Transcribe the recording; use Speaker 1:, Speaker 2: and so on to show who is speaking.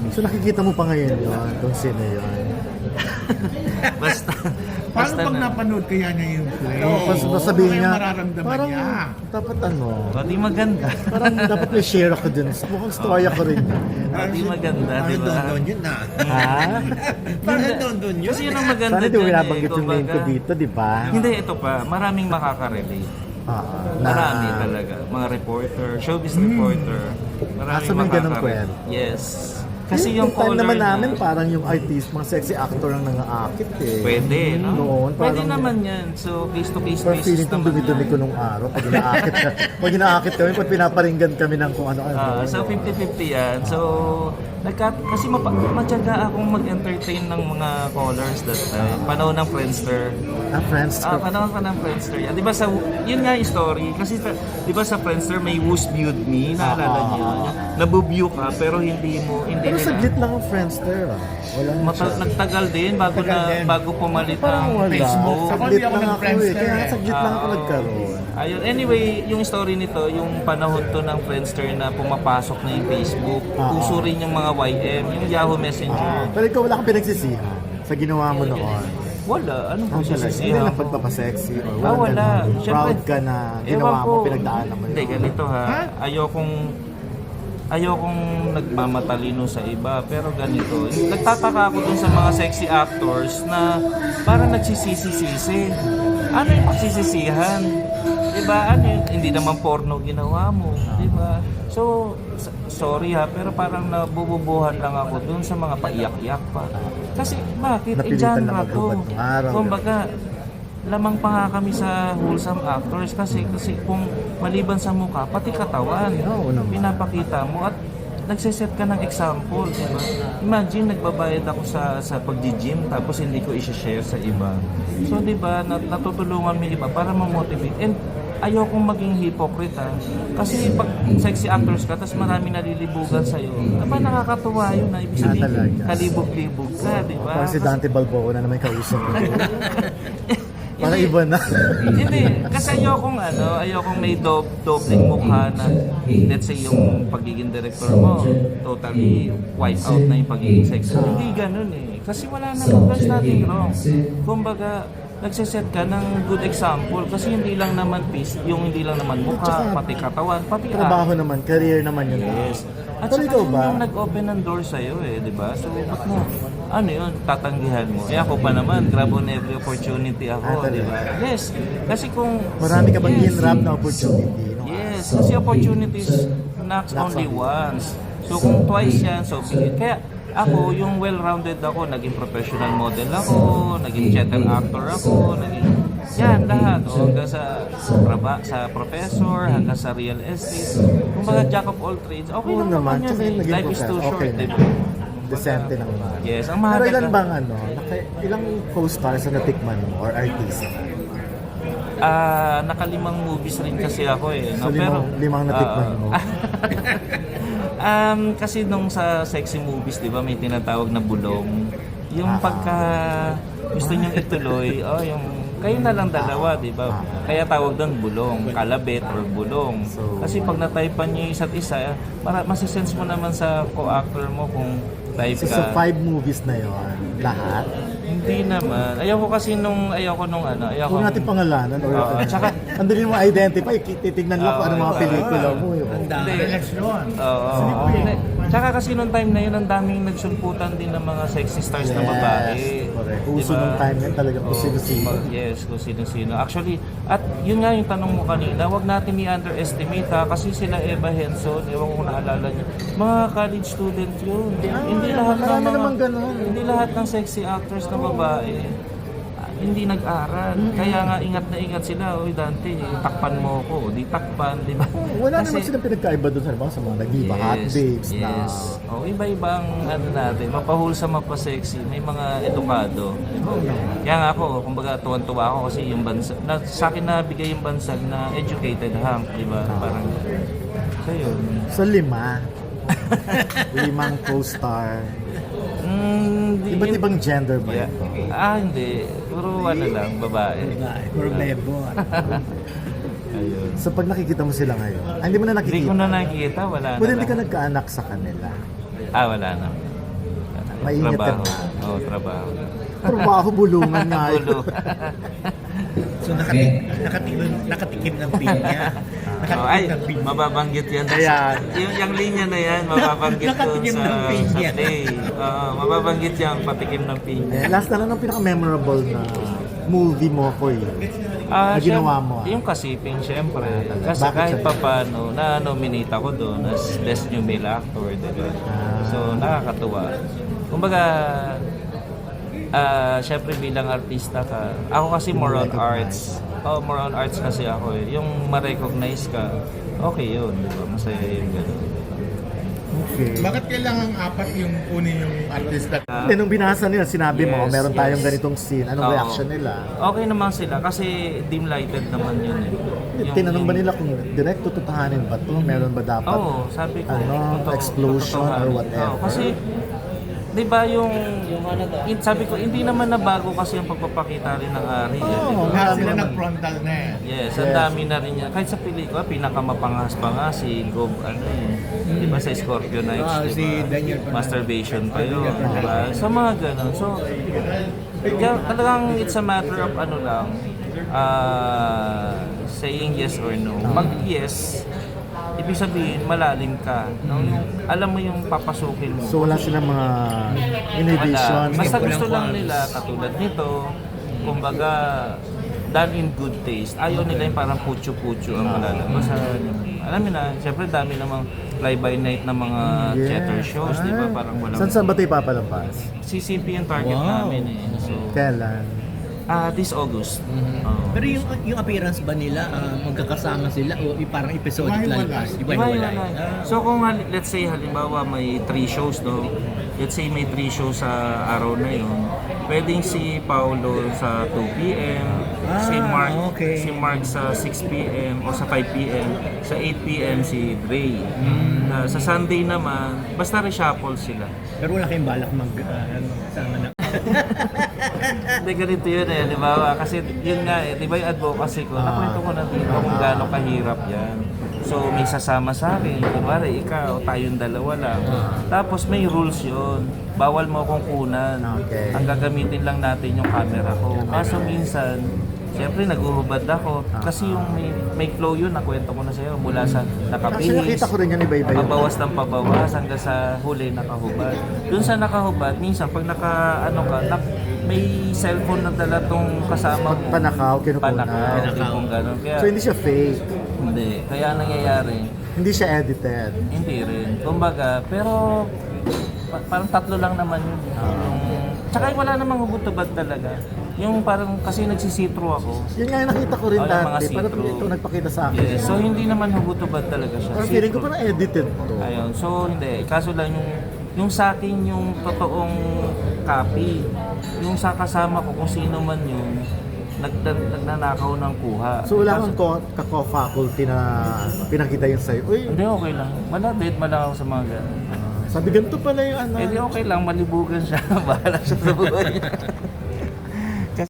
Speaker 1: So nakikita mo pa ngayon yun, kung sino yun.
Speaker 2: Basta,
Speaker 3: Paano
Speaker 2: basta
Speaker 3: pag
Speaker 2: na.
Speaker 3: napanood kaya niya yung play?
Speaker 1: Oo, pas sabihin
Speaker 3: Ano
Speaker 1: niya,
Speaker 3: yung mararamdaman
Speaker 1: parang
Speaker 3: niya?
Speaker 1: dapat ano,
Speaker 2: Di maganda.
Speaker 1: parang dapat may share ako dun. Mukhang storya ko rin.
Speaker 2: Di maganda, di ba?
Speaker 3: Parang doon yun na.
Speaker 1: Ha?
Speaker 3: Parang doon yun.
Speaker 2: Kasi yun ang maganda
Speaker 1: Sana di mo
Speaker 2: dyan
Speaker 1: binabanggit yung name ko
Speaker 2: kumbaga.
Speaker 1: dito, di ba?
Speaker 2: Hindi, ito pa. Maraming makaka-relate. Marami talaga. Mga reporter, showbiz reporter. Maraming
Speaker 1: so may ganun
Speaker 2: makaka-relate.
Speaker 1: kwento?
Speaker 2: Yes. Kasi yung
Speaker 1: time
Speaker 2: color
Speaker 1: naman
Speaker 2: niya,
Speaker 1: namin, parang yung artist, mga sexy actor ang nangaakit eh.
Speaker 2: pwede, no?
Speaker 1: Noon,
Speaker 2: Pwede
Speaker 1: parang-
Speaker 2: naman yan. So, face-to-face
Speaker 1: Pero
Speaker 2: basis
Speaker 1: feeling kong
Speaker 2: naman
Speaker 1: dumi-dumi ko
Speaker 2: yan.
Speaker 1: nung araw. Pag inaakit ka, pag inaakit kami, pag pinaparinggan kami ng kung ano-ano.
Speaker 2: So 50-50 yan. So kasi matyaga akong mag-entertain ng mga callers that time. Panahon ng Friendster.
Speaker 1: Friends.
Speaker 2: Panahon pa ng Friendster yan. Di ba yun nga yung story. Kasi di ba sa Friendster may Who's Viewed Me? Naalala niyo? Nabubew ka pero hindi
Speaker 1: Pero
Speaker 2: nila.
Speaker 1: saglit lang ang Friendster. Wala na siya.
Speaker 2: Nagtagal din bago pumalit
Speaker 1: Parang
Speaker 2: ang
Speaker 1: wala.
Speaker 2: Facebook.
Speaker 1: Saglit
Speaker 3: Ako,
Speaker 1: lang
Speaker 3: hindi ako
Speaker 1: ako eh.
Speaker 3: nag-Friendster
Speaker 1: Kaya
Speaker 3: eh.
Speaker 1: saglit lang ako nagkaroon.
Speaker 2: Ayun. Anyway, yung story nito, yung panahon to ng Friendster na pumapasok na yung Facebook. Uso rin yung mga YM, yung Yahoo Messenger.
Speaker 1: Pero ikaw wala kang pinagsisihan sa ginawa mo noon.
Speaker 2: Wala. Anong
Speaker 1: Ang talaga. Hindi
Speaker 2: sisisihan
Speaker 1: na
Speaker 2: ko?
Speaker 1: pagpapasexy. Or
Speaker 2: Wala.
Speaker 1: ganun.
Speaker 2: Siyempre,
Speaker 1: Proud ka na ginawa
Speaker 2: ewan
Speaker 1: mo, pinagdaanan mo
Speaker 2: Hindi,
Speaker 1: yun.
Speaker 2: ganito ha. Ayokong nagmamatalino sa iba, pero ganito. Nagtataka ako dun sa mga sexy actors na parang nagsisisi-sisi. Ano yung pagsisisihan? Diba? Ano yun? Hindi naman porno ginawa mo. Diba? So, sorry ha, pero parang nabububuhan lang ako dun sa mga paiyak-iyak pa. Kasi bakit?
Speaker 1: Napilitan
Speaker 2: Genre
Speaker 1: lang
Speaker 2: to.
Speaker 1: maghubad ng araw.
Speaker 2: Kumbaga, lamang pa nga kami sa wholesome actors kasi kung maliban sa mukha, pati katawan,
Speaker 1: Oo naman.
Speaker 2: pinapakita mo at nagsiset ka ng example, di ba? Imagine, nagbabayad ako sa pag-gym tapos hindi ko i-share sa iba. So, di ba, natutulungan mo yung iba para ma-motivate. And ayokong maging hypocrite ha. Kasi pag sexy actors ka, tapos maraming nalilibugan sa'yo, aba nakakatuwa yun na ibig sabihin,
Speaker 1: talaga.
Speaker 2: kalibog-libog ka, di ba?
Speaker 1: Parang si Dante Balboa na naman kausap ko. Parang iba na.
Speaker 2: Hindi, kasi ayokong may dobleng mukha na let's say yung pagiging director mo, totally wipe out na yung pagiging sexy. Hindi ganun eh. Kasi wala naman, there's nothing wrong. Kumbaga, nagsiset ka ng good example kasi hindi lang naman hindi lang naman mukha, pati katawan, pati
Speaker 1: Trabaho naman, career naman yun.
Speaker 2: Yes. At
Speaker 1: Pero
Speaker 2: saka
Speaker 1: ikaw
Speaker 2: yun
Speaker 1: ba?
Speaker 2: yung nag-open ng door sa'yo eh, di ba? So, ba't mo, yun, tatanggihan mo? Eh ako pa naman, grab on every opportunity ako, di ba? Yes. Kasi kung...
Speaker 1: Marami ka bang
Speaker 2: yes,
Speaker 1: in-rap na opportunity? No?
Speaker 2: Yes. Kasi opportunities knocks only once. So, kung twice yan, so kaya ako, yung well-rounded ako, naging professional model ako, naging theater actor ako, naging yan, lahat. O, hanggang sa professor, hanggang sa real estate. Kumbaga, jack of all trades. Okay
Speaker 1: Oo
Speaker 2: lang
Speaker 1: naman.
Speaker 2: naman
Speaker 1: Tsaka
Speaker 2: yan.
Speaker 1: yung naging
Speaker 2: Life is too
Speaker 1: professor,
Speaker 2: short,
Speaker 1: okay
Speaker 2: di
Speaker 1: na.
Speaker 2: ba?
Speaker 1: Decente lang naman.
Speaker 2: Yes, ang
Speaker 1: Pero
Speaker 2: mahalaga.
Speaker 1: ilan bang ilang co-stars na natikman mo or artist?
Speaker 2: Nakalimang movies rin kasi ako eh. No?
Speaker 1: So, limang natikman mo.
Speaker 2: Kasi nung sa sexy movies, di ba, may tinatawag na bulong. Yung pagka gusto niyong ituloy, yung kayo na lang dalawa, di ba? Kaya tawag doon bulong, kalabit or bulong. Kasi pag na-typean niyo yung isa't isa, masisense mo naman sa co-actor mo kung type
Speaker 1: So,
Speaker 2: ka.
Speaker 1: sa 5 movies na yon lahat?
Speaker 2: Hindi naman. Ayoko
Speaker 1: Kung natin pangalanan or
Speaker 2: tsaka,
Speaker 1: ang dali mo identify, titignan mo kung ano mga pelikula mo.
Speaker 3: Ang dami relasyon.
Speaker 2: Oo. Tsaka kasi nung time na yun, ang daming nagsulputan din ng mga sexy stars na babae.
Speaker 1: Correct.
Speaker 2: Di
Speaker 1: Uso
Speaker 2: ba?
Speaker 1: nung time yan talaga kung
Speaker 2: Oo.
Speaker 1: sino-sino.
Speaker 2: Yes, kung sino-sino. Actually, at yun nga yung tanong mo kanina, wag natin i-underestimate ha, kasi sila Eva Henson, ewan ko kung naalala niyo, mga college student yun. Hindi lahat ng
Speaker 1: marami
Speaker 2: mga,
Speaker 1: naman ganun.
Speaker 2: hindi lahat ng sexy actors na babae hindi nag-aral. Kaya nga ingat na ingat sila. Uy Dante, takpan mo ko. Di takpan, di ba?
Speaker 1: Wala naman silang pinagkaiba doon sa mga nag-iba hot babes na.
Speaker 2: Yes. Iba-ibang natin. Mapahulsa, mapasexy. May mga edukado. Kaya nga ako, kumbaga tuwan-tuwa ako kasi yung bansag, sa akin na bigay yung bansag na educated hang, di ba? Parang, so yun.
Speaker 1: So 5. 5 co-star. Iba't ibang gender ba
Speaker 2: Yeah.
Speaker 1: ito?
Speaker 2: Hindi. Puro lang, babae.
Speaker 3: Puro bebo.
Speaker 2: Ayun.
Speaker 1: So pag nakikita mo sila ngayon, hindi mo na
Speaker 2: Hindi
Speaker 1: nakikita.
Speaker 2: ko na nakikita, wala na
Speaker 1: Pwede hindi
Speaker 2: lang.
Speaker 1: ka nagkaanak sa kanila.
Speaker 2: Wala na.
Speaker 1: Mainit ka
Speaker 2: trabaho.
Speaker 1: na.
Speaker 2: Oo, trabaho.
Speaker 1: Trabaho, bulungan nga yun.
Speaker 2: Ulo.
Speaker 3: So nakatikim ng pinya.
Speaker 2: Oh, ay,
Speaker 3: Nakatikim ng pinya.
Speaker 2: mababanggit yan.
Speaker 1: Ayan.
Speaker 2: Yung linya na yan, mababanggit doon
Speaker 3: Nakatikim
Speaker 2: sa,
Speaker 3: ng pinya.
Speaker 2: sa play. Mababanggit yan, patikim ng pinya.
Speaker 1: Last na lang ang pinaka-memorable na movie mo ko na ginawa mo.
Speaker 2: Yung Kasiping, syempre. Kasi
Speaker 1: Bakit
Speaker 2: kahit
Speaker 1: siya?
Speaker 2: pa paano, na-nominate ako doon as Best New Male Actor, diba? So, nakakatuwa. Kumbaga, syempre bilang artista ka, ako kasi more on arts. More on arts kasi ako eh. Yung ma-recognize ka, okay yun, diba? Masaya yung gano'n.
Speaker 1: Okay.
Speaker 4: Bakit kailangan apat yung kunin yung artista?
Speaker 1: Then, nung binasa nila, sinabi mo,
Speaker 2: Yes,
Speaker 1: meron tayong
Speaker 2: yes.
Speaker 1: ganitong scene. Anong
Speaker 2: Oo.
Speaker 1: reaction nila?
Speaker 2: Okay naman sila kasi dim-lighted naman yun eh.
Speaker 1: Tinanong ba nila kung direct tutuhanin ba ito? Meron ba dapat?
Speaker 2: Oo, sabi ko.
Speaker 1: Explosion or whatever?
Speaker 2: Oo, kasi, di ba sabi ko, hindi naman nabago kasi ang pagpapakita rin ng Ari.
Speaker 1: Oo,
Speaker 2: eh,
Speaker 4: Lahat
Speaker 1: marami
Speaker 4: sila
Speaker 1: naman.
Speaker 4: nag-frontal na eh.
Speaker 2: Yes, ang dami na rin yan. Kahit sa pelikula, pinakamapangas pa nga si Gob, di ba sa Scorpio Nights, di
Speaker 3: Si
Speaker 2: ba?
Speaker 3: Daniel Fernandez.
Speaker 2: Masturbation pa yun. Diba? Sa mga ganun. So, kaya talagang it's a matter of saying yes or no. Pag yes, ibig sabihin, malalim ka. No? Yung, alam mo yung papasukin mo.
Speaker 1: So, wala silang mga inhibition.
Speaker 2: Wala. Basta gusto lang nila, katulad nito, kumbaga, done in good taste. Ayaw nila yung parang putyo-putyo ang malalabas. Alam mo na, siyempre dami namang fly-by-night na mga theater shows, di ba? Parang walang...
Speaker 1: Saan ba ito ipapalampas?
Speaker 2: CCP yung target namin eh. So,
Speaker 1: Kailan?
Speaker 2: this August. Oo.
Speaker 3: Pero yung appearance ba nila, magkakasama sila o parang episodic
Speaker 4: Iba-hiwalay.
Speaker 3: lalabas?
Speaker 2: Iba-hiwalay. So kung let's say halimbawa may 3 shows no. Let's say may 3 shows sa araw na yun. Pwedeng si Paolo sa 2 PM, si Mark sa 6 PM o sa 5 PM, sa 8 PM si Dre. Sa Sunday naman, basta reshuffle sila.
Speaker 3: Pero wala kayong balak sama na.
Speaker 2: Hindi, ganito yun eh, di ba? Kasi yun nga eh, di ba yung advocacy ko, nakwento ko na dito kung gaano kahirap yan. So may sasama sa akin, kumari ikaw, tayong dalawa lang. Tapos may rules yun, bawal mo akong kunan.
Speaker 1: Okay.
Speaker 2: Ang gagamitin lang natin yung camera ko. Kaso minsan, siyempre naguhubad ako. Kasi yung may flow yun, nakwento ko na sa'yo, mula sa
Speaker 1: Actually,
Speaker 2: nakabihis.
Speaker 1: nakita ko rin yan iba-iba yun.
Speaker 2: Pabawas ng pabawas hanggang sa huli nakahubad. Doon sa nakahubad, minsan pag may cellphone na dala tong kasama mo.
Speaker 1: Panakaw, kinukunan.
Speaker 2: Panakaw, tipong gano'n. Kaya,
Speaker 1: So, hindi siya fake.
Speaker 2: hindi. Kaya ang nangyayari,
Speaker 1: Hindi siya edited.
Speaker 2: hindi rin. Kumbaga, pero parang 3 lang naman yun. Tsaka wala namang hubot-tubad talaga. Yung parang kasi nagsisitro ako.
Speaker 1: Yun nga yung nakita ko rin
Speaker 2: Oh, yung mga
Speaker 1: dati. Parang
Speaker 2: see-through.
Speaker 1: ito nagpakita sa akin.
Speaker 2: Yes. So hindi naman hubot-tubad talaga siya.
Speaker 1: Parang feeling ko
Speaker 2: See-through.
Speaker 1: parang edited to.
Speaker 2: Ayun. So hindi. Kaso lang yung sa akin yung totoong copy. Yung sa kasama ko kung sino man yun, nagnanakaw ng kuha.
Speaker 1: So wala
Speaker 2: Kaso-
Speaker 1: kang kako-faculty na pinakita yun sa'yo. Uy,
Speaker 2: Hindi, okay lang. Malapit, ako sa mga ganun.
Speaker 1: sabi ganito pala yung ano.
Speaker 2: Eh di okay lang, malibugan siya. Bahala siya sa buhay niya.